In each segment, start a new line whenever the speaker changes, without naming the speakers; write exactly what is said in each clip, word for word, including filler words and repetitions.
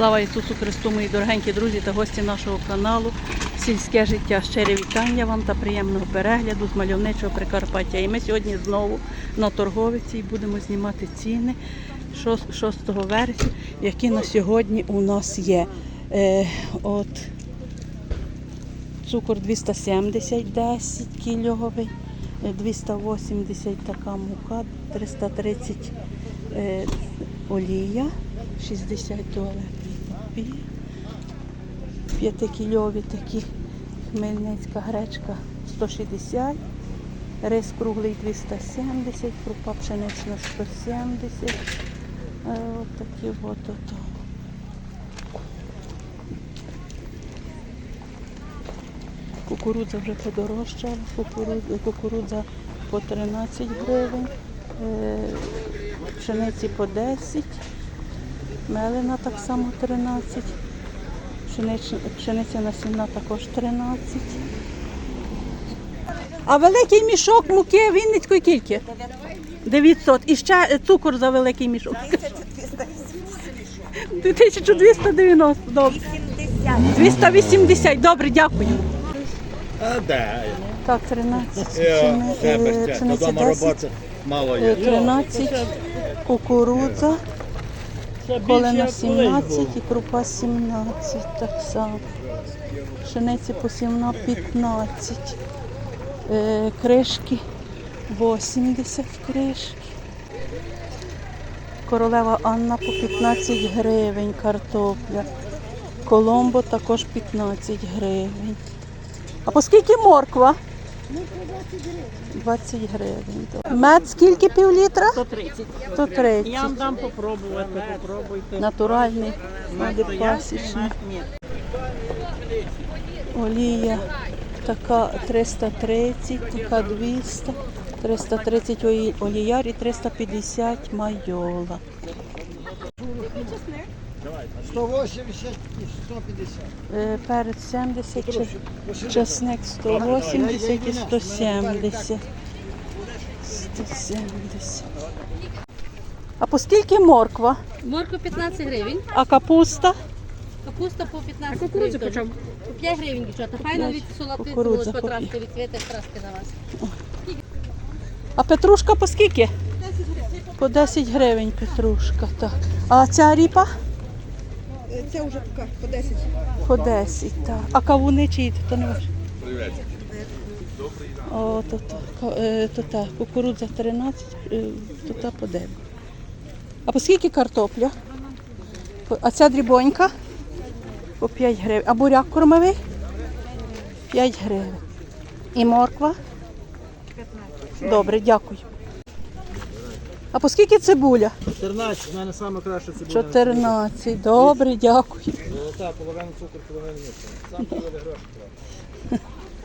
Слава Ісусу Христу, мої дорогенькі друзі та гості нашого каналу «Сільське життя». Щире вітання вам та приємного перегляду з мальовничого Прикарпаття. І ми сьогодні знову на торговиці і будемо знімати ціни шостого вересня, які на сьогодні у нас є. Е, от цукор двісті сімдесят, десять кільовий, двісті вісімдесят така мука, триста тридцять е, олія, шістдесят туалетний папір, п'ятикільові такі хмельницька гречка сто шістдесят, рис круглий двісті сімдесят, крупа пшенична сто сімдесят. Е, от такі от ото. Кукурудза вже подорожчала, кукурудза, кукурудза по тринадцять гривень, е, пшениці по десять, мелена так само тринадцять, пшенична, пшениця насінна також тринадцять. А великий мішок муки Вінницької кільки? дев'ятсот. І ще цукор за великий мішок. тисяча двісті дев'яносто. Добре. двісті вісімдесят. Добре, дякую.
А, да.
Так, тринадцять,
Е,
пшениця десять, тринадцять, кукурудза, колена сімнадцять і крупа сімнадцять, так само. Пшениці по сімнадцять, п'ятнадцять, е, кришки вісімдесят кришки. Королева Анна по п'ятнадцять гривень, картопля. Коломбо також п'ятнадцять гривень. А по скільки морква? двадцять гривень. Мед скільки пів літра?
сто тридцять.
сто тридцять.
Я вам дам попробувати, попробуйте.
Натуральний, пасічний.
Ні.
Олія така триста тридцять, така двісті, триста тридцять оліяр і триста п'ятдесят майола.
сто вісімдесят і сто п'ятдесят.
Е, Перець сімдесят, чесник сто вісімдесят і сто сімдесят. сто сімдесят. А по скільки морква?
Морква п'ятнадцять гривень,
А капуста?
капуста по п'ятнадцять гривень. По чому? По п'ять гривень, дівчата. Файно від солодкої
Кукурудза
цілої
по
потравки, від цвіта краски на вас.
А петрушка по скільки? По десять гривень петрушка, так. А ця ріпа?
Це вже така, по десять.
По десять, так. А кавуни чиї? То не ваш? О, то, то, е, то та, кукурудза тринадцять, е, то та по дев'ять. А по скільки картопля? По- А ця дрібонька? По п'ять гривень. А буряк кормовий? п'ять гривень. І морква? Добре, дякую. А по скільки цибуля?
чотирнадцять, в мене саме краще це буде.
чотирнадцять. Добре, дякую.
Золота, половина цукру, половина місця. Сам половина гроші треба.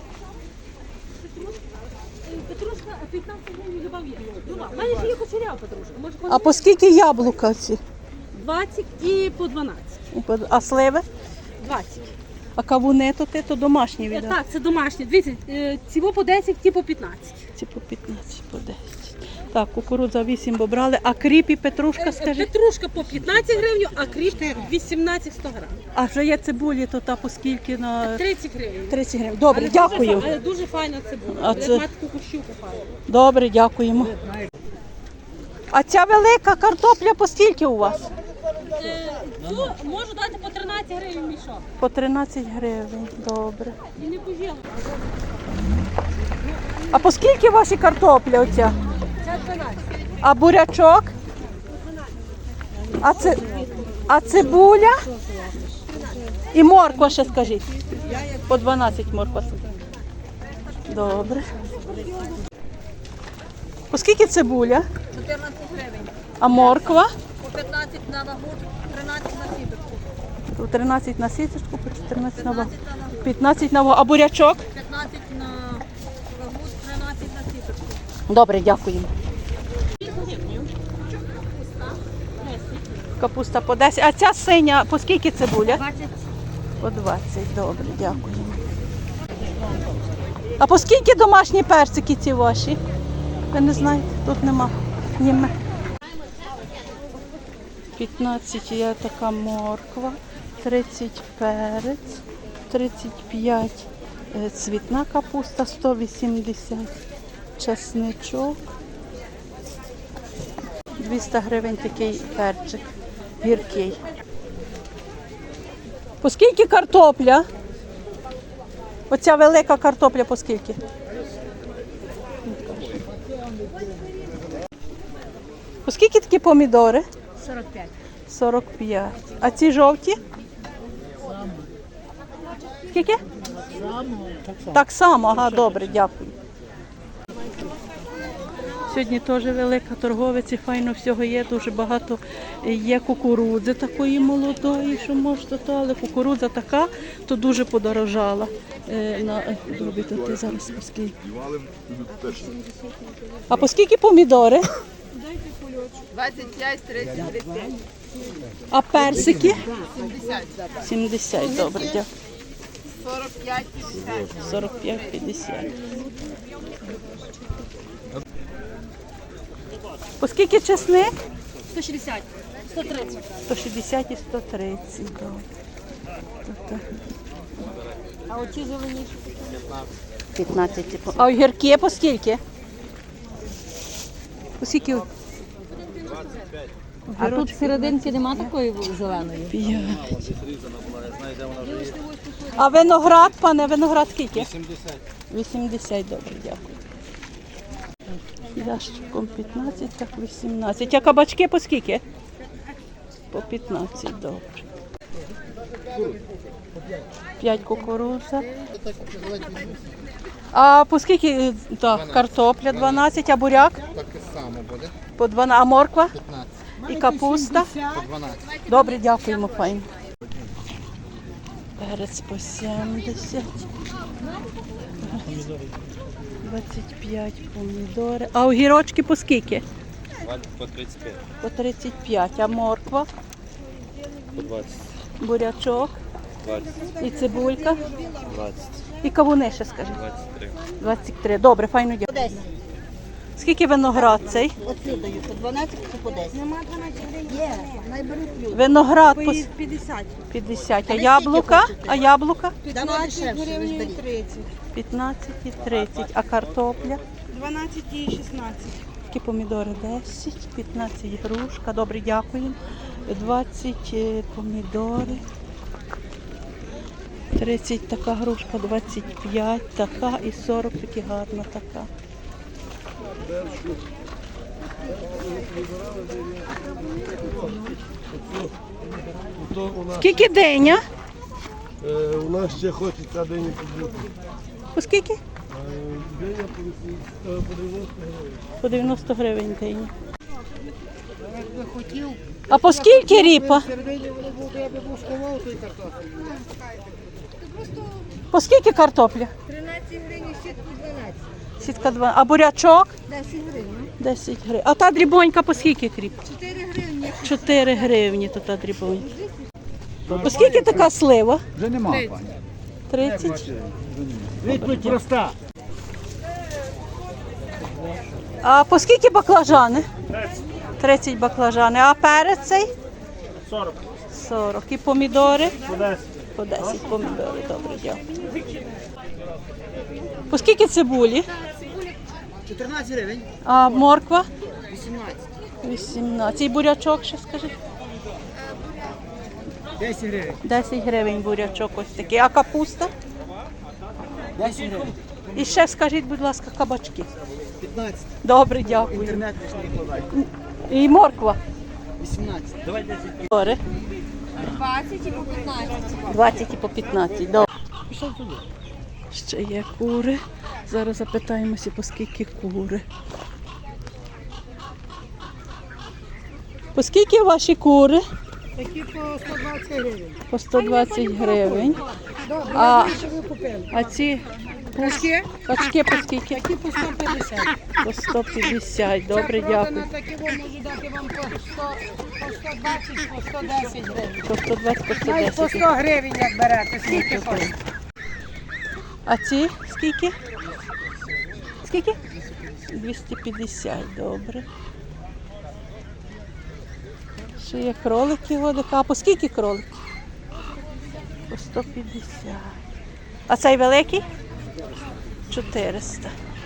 Петрушка п'ятнадцять гривень любав є. У мене ще є кучерява петрушка. Може,
А по скільки яблука ці?
двадцять і по дванадцять.
А сливи?
двадцять.
А кавуни то ти, то домашні
Е,
віддав?
Так, це домашні. Дивіться, е, ці по десять, ті по п'ятнадцять.
Ці по п'ятнадцять, по десять. Так, кукурудза вісім бо брали, а кріп і петрушка,
Е,
скажіть?
Петрушка по п'ятнадцять гривень, а кріп вісімнадцять сто грам.
А вже є цибулі, то та по скільки на
тридцять гривень.
тридцять гривень. Добре,
Але
дякую.
Дуже, але дуже файна цибуля.
А
Як
це-
мати таку щуку файну.
Добре, дякуємо. А ця велика картопля по скільки у вас?
Е, Цю можу дати по тринадцять гривень мішок.
По тринадцять гривень. Добре.
І не пожіло.
А по скільки ваші картопля оця?
Це дванадцять.
А бурячок? А, це, а цибуля? І морква ще скажіть. По дванадцять морква. Добре. По скільки цибуля?
чотирнадцять гривень.
А морква?
По п'ятнадцять на вагу, тринадцять на сіточку.
По тринадцять на сіточку, по чотирнадцять на вагу. п'ятнадцять на вагу. А бурячок?
п'ятнадцять на вагу, тринадцять на сіточку.
Добре, дякуємо. Капуста по десять. А ця синя, по скільки цибуля?
двадцять.
По двадцять. Добре, дякуємо. А по скільки домашні персики ці ваші? Ви не знаєте? Тут нема. Німе. п'ятнадцять є така морква, тридцять перець, тридцять п'ять е, цвітна капуста, сто вісімдесят чесничок, двісті гривень такий перчик гіркий. По скільки картопля? Оця велика картопля по скільки? По скільки такі помідори?
сорок п'ять.
сорок п'ять. А ці жовті? Скільки? Так само, ага, добре, дякую. Сьогодні теж велика торговиця, файно всього є, дуже багато є кукурудзи такої молодої, що можна, то, але кукурудза така, то дуже подорожала. Е, на, робити ти зараз по скільки. А по скільки помідори?
двадцять п'ять, тридцять, тридцять п'ять.
А персики?
сімдесят.
сімдесят, добре, дякую.
сорок п'ять, п'ятдесят.
сорок п'ять п'ятдесят. По скільки чесник?
сто шістдесят. сто тридцять.
сто шістдесят і сто тридцять. Добре. Тобто
А оці зеленіші?
п'ятнадцять. типу. А огірки по скільки? По скільки?
А тут серединки нема такої зеленої?
П'ять. А виноград, пане, виноград скільки?
вісімдесят.
вісімдесят, добре, дякую. Ящиком п'ятнадцять, так вісімнадцять. А кабачки по скільки? По п'ятнадцять, добре. п'ять кукурудза. А по скільки так, картопля дванадцять, а буряк?
Таке саме буде.
По дванадцять, а морква?
п'ятнадцять.
І капуста?
По дванадцять.
Добре, дякуємо, файно. Перець по сімдесят. двадцять п'ять помідори. А огірочки по скільки?
По тридцять п'ять.
По тридцять п'ять. А морква?
По двадцять.
Бурячок?
двадцять.
І цибулька?
двадцять.
І кавуни ще, скажи.
двадцять три.
двадцять три. Добре, файно дякую. Скільки виноград цей?
Оцю даю, по дванадцять чи по десять? Нема дванадцять гривень. Є, найберуть люди.
Виноград по с-
п'ятдесят.
п'ятдесят. А яблука? А яблука?
п'ятнадцять гривень і тридцять.
п'ятнадцять і тридцять. А картопля?
дванадцять і шістнадцять.
Такі помідори десять, п'ятнадцять грушка. Добре, дякуємо. двадцять е, помідори. тридцять така грушка, двадцять п'ять така і сорок такі гарна така. Скільки диня?
Е, у нас ще хочеться дині побути.
По скільки?
Е, Диня по вісім- е, по дев'яносто гривень.
По дев'яносто гривень диня. А по скільки ріпа?
Середині воно було, я би був сховав той картофель.
По скільки картопля?
тринадцять гривень, сітку дванадцять.
Сітка два. А бурячок?
десять гривень.
десять гривень. А та дрібонька по скільки кріп?
чотири гривні.
чотири гривні то та дрібонька. По скільки така слива?
Вже нема, пані.
тридцять.
Відповідь проста.
А по скільки баклажани? тридцять баклажани. А перець цей?
сорок.
сорок. І помідори?
По десять.
По десять помідори. Добре, дякую. По скільки цибулі?
чотирнадцять гривень.
А морква?
вісімнадцять.
вісімнадцять. І бурячок ще скажи?
десять гривень.
десять гривень бурячок ось такий. А капуста?
десять гривень.
І ще скажіть, будь ласка, кабачки.
п'ятнадцять.
Добре, дякую.
Інтернет не вкладай.
І морква.
вісімнадцять. Давай десять.
Добре.
двадцять і по п'ятнадцять.
двадцять і по п'ятнадцять. Добре. Ще є кури. Зараз запитаємося, по скільки кури. По скільки ваші кури?
Такі по сто двадцять гривень.
По сто двадцять гривень.
Добре,
А,
що ви купили?
а ці
Кашки?
качки по скільки?
Такі по сто п'ятдесят.
По сто п'ятдесят. Добре, дякую.
Такі вам можу дати вам по сто, по сто двадцять, по сто десять гривень.
По сто двадцять, по сто
Навіть по
десять.
сто гривень як берете. Скільки хочете?
А ці скільки? Скільки? двісті п'ятдесят, добре. Ще є кролики водика. А по скільки кролики? По сто п'ятдесят. А цей великий? чотириста.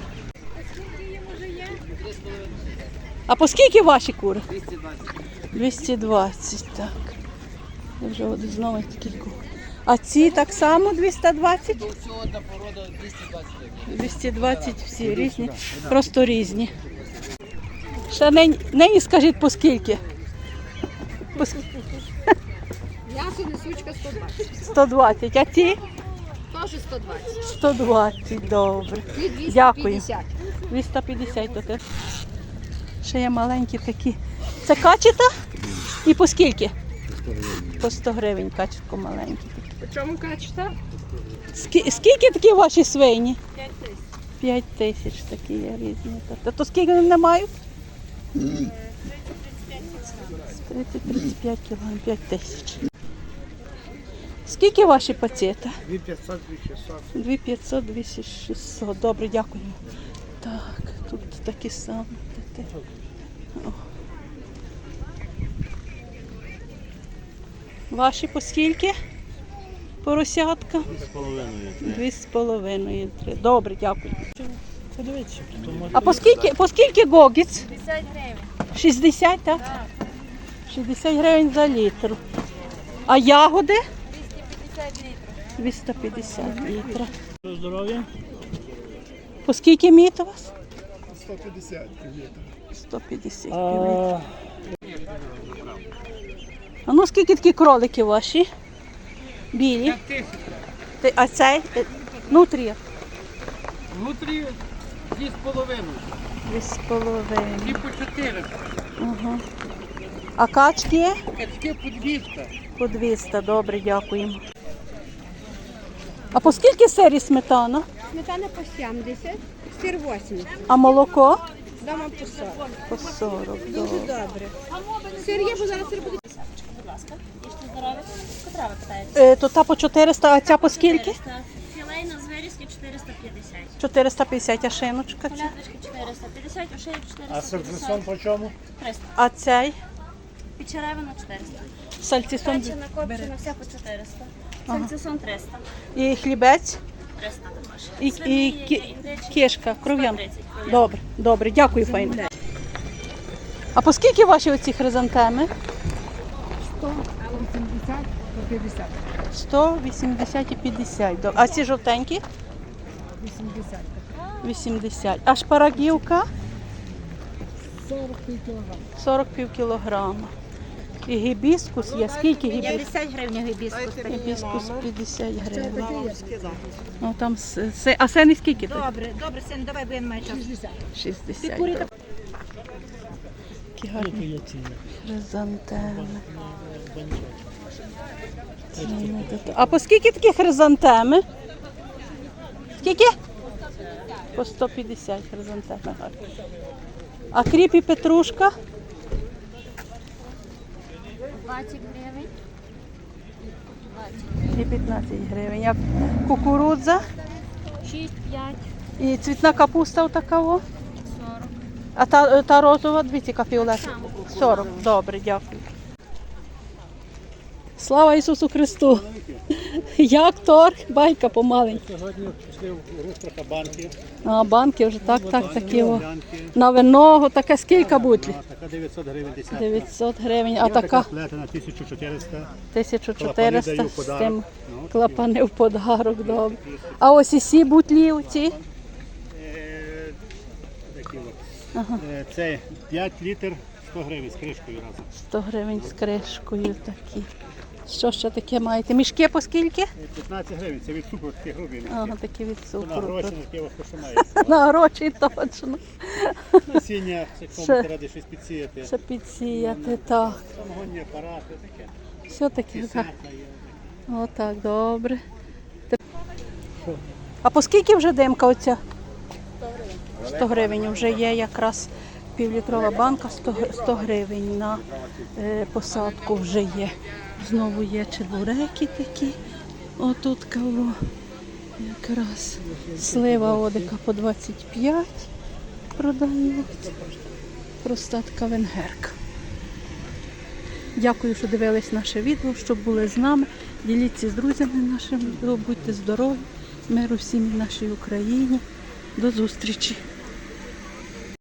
А по скільки ваші кури? двісті двадцять, так. Я вже от знову такі. А ці так само двісті двадцять?
Всього одна порода двісті двадцять гривень.
двісті двадцять всі різні, просто різні. Ще нині, нині скажіть по скільки? По ск-
М'ясо несучка сто двадцять.
сто двадцять, а ті?
Теж сто двадцять.
сто двадцять, добре.
І двісті
Дякую.
п'ятдесят.
двісті п'ятдесят то теж. Ще є маленькі такі. Це качета? І по скільки? По сто гривень качетко маленькі.
По чому качета?
Скі- Скільки такі ваші свині? п'ять тисяч такі є різні. То, то скільки вони мають? тридцять тридцять п'ять кілограм, п'ять тисяч. Скільки ваші пацієта?
дві п'ятсот, дві шістсот.
дві п'ятсот, дві шістсот. Добре, дякую. Так, тут такі самі. О. Ваші по скільки? Поросятка? Дві з половиною. Три. Добре, дякую.
Подивіться.
А по скільки, по скільки гогіць?
п'ятдесят гривень.
шістдесят, так? шістдесят гривень за літр. А ягоди?
двісті п'ятдесят літрів.
двісті п'ятдесят літра.
Здоров'я.
По скільки міт у вас?
сто п'ятдесят гривень.
сто п'ятдесят
А,
літрів. А ну скільки такі кролики ваші? Білі. Ти- А цей? Е, Нутрія.
Внутрі дві з половиною.
Дві з половиною.
І по чотири.
Ага. А качки?
Качки по двісті.
По двісті, добре, дякуємо. А по скільки сир і сметана?
Сметана по сімдесят, сир вісімдесят.
А молоко?
Дома по сорок.
По сорок,
Дуже
добре.
добре. Сир є, бо зараз сир буде.
Будь ласка, їжте здоров'я. Котра ви питаєте?
Е, то та по чотириста, а ця по скільки?
Філейна з вирізки чотириста п'ятдесят.
чотириста п'ятдесят, а шиночка ця?
Колядочки чотириста п'ятдесят, ошеї
а
чотириста
сердцем
п'ятдесят.
по чому?
триста.
А цей?
Печеревина чотириста.
Сальцісон
Печена, копчена, вся по чотириста. Сальцисон триста.
і хлібець?
триста також.
І, і
Свині,
кі-
індички.
кишка, кров'янка.
сто тридцять кров'янка.
Добре, добре, дякую, файно. А по скільки ваші оці хризантеми?
сто вісімдесят, сто п'ятдесят.
сто, вісімдесят і п'ятдесят. До- А ці жовтенькі?
вісімдесят.
вісімдесят. А шпарагівка?
сорок пів кілограм.
сорок пів кілограма. І гібіскус є. Скільки гібіскус?
п'ятдесят гривень гібіскус.
Гібіскус п'ятдесят гривень. Ну, там, с- се- а сени скільки? тут?
Добре, добре, син, давай, бо я не маю часу.
шістдесят.
курі
добре. Які гарні хризантеми. Це не таке. А по скільки такі хризантеми? Скільки? По сто п'ятдесят хризантеми гарні. А кріп і петрушка?
двадцять гривень.
І п'ятнадцять гривень. А кукурудза?
шість, п'ять,
І цвітна капуста отакого?
сорок.
А та, та розова, дивіться, яка фіолетова. сорок. Добре, дякую. Слава Ісусу Христу! Як торг? Байка помаленьку.
Сьогодні пішли в рух трохи банки.
А банки вже так, так, такі. О.
Банки.
На виного, таке скільки бутлі?
А, така дев'ятсот гривень десятка.
дев'ятсот гривень, а
Є така
така
плетена тисяча чотириста.
тисяча
Клапани
чотириста
даю в
з
подарок.
тим
Ну,
клапани в подарок, добре. А ось і сі бутлі оці?
Е, такі от. Е, Це п'ять літр сто гривень з кришкою разом.
сто гривень з кришкою такі. Що ще таке маєте? Мішки по скільки?
Е, п'ятнадцять гривень, це від цукру такі грубі.
Ага, такі від
На
цукру.
гроші, на яке вас має.
На гроші точно.
Насіння, це
Ще.
кому ради щось підсіяти.
Ще підсіяти, так.
Самогонні апарати, таке.
Все таке, так.
Десятка є.
Отак, добре. А по скільки вже димка оця? сто гривень вже є якраз півлітрова банка, сто, гр- сто гривень на е, посадку вже є. Знову є чебуреки такі. Отут кого якраз слива одика по двадцять п'ять продають. Проста така венгерка. Дякую, що дивились наше відео, щоб були з нами. Діліться з друзями нашими, будьте здорові, миру всім і нашій Україні. До зустрічі!